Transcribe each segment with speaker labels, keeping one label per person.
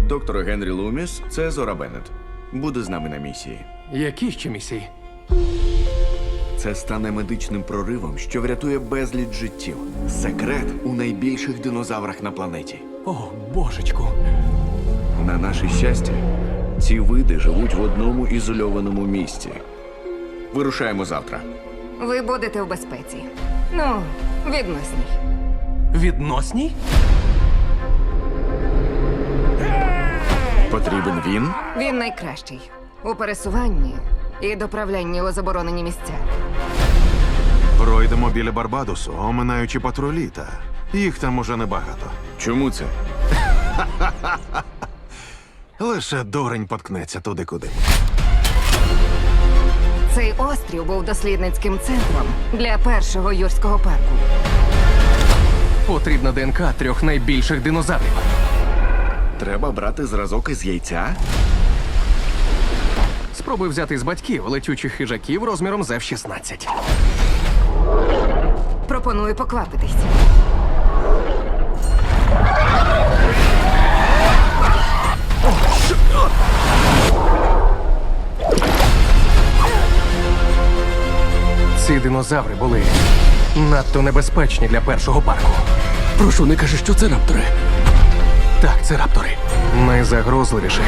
Speaker 1: Доктор Генрі Луміс – це Зора Беннет. Буде з нами на місії.
Speaker 2: Які ще місії?
Speaker 1: Це стане медичним проривом, що врятує безліч життів. Секрет у найбільших динозаврах на планеті.
Speaker 2: О, божечку.
Speaker 1: На наше щастя, ці види живуть в одному ізольованому місці. Вирушаємо завтра.
Speaker 3: Ви будете в безпеці. Ну, відносній.
Speaker 2: Відносній?
Speaker 1: Потрібен він?
Speaker 3: Він найкращий у пересуванні і доправлянні у заборонені місця.
Speaker 4: Пройдемо біля Барбадосу, оминаючи патрулі, та їх там уже небагато.
Speaker 1: Чому це?
Speaker 4: Лише дурень поткнеться туди, куди.
Speaker 3: Цей острів був дослідницьким центром для першого юрського парку.
Speaker 2: Потрібна ДНК 3 найбільших динозаврів.
Speaker 1: Треба брати зразок із яйця?
Speaker 2: Спробуй взяти з батьків летючих хижаків розміром з F-16.
Speaker 3: Пропоную поквапитись.
Speaker 2: Ці динозаври були надто небезпечні для першого парку.
Speaker 5: Прошу, не кажи, що це раптори.
Speaker 2: Так, це раптори. Найзагрозливіших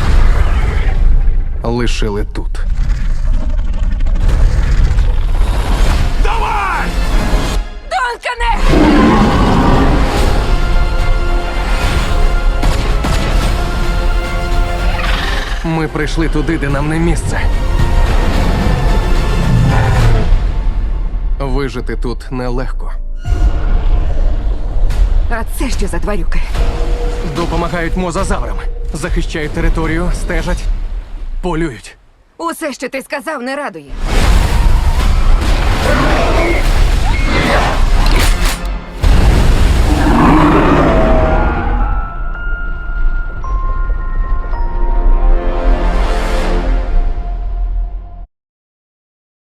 Speaker 2: лишили тут.
Speaker 3: Донкане!
Speaker 2: Ми прийшли туди, де нам не місце. Вижити тут нелегко.
Speaker 3: А це що за тварюки?
Speaker 2: Допомагають мозазаврам. Захищають територію, стежать, полюють.
Speaker 3: Усе, що ти сказав, не радує.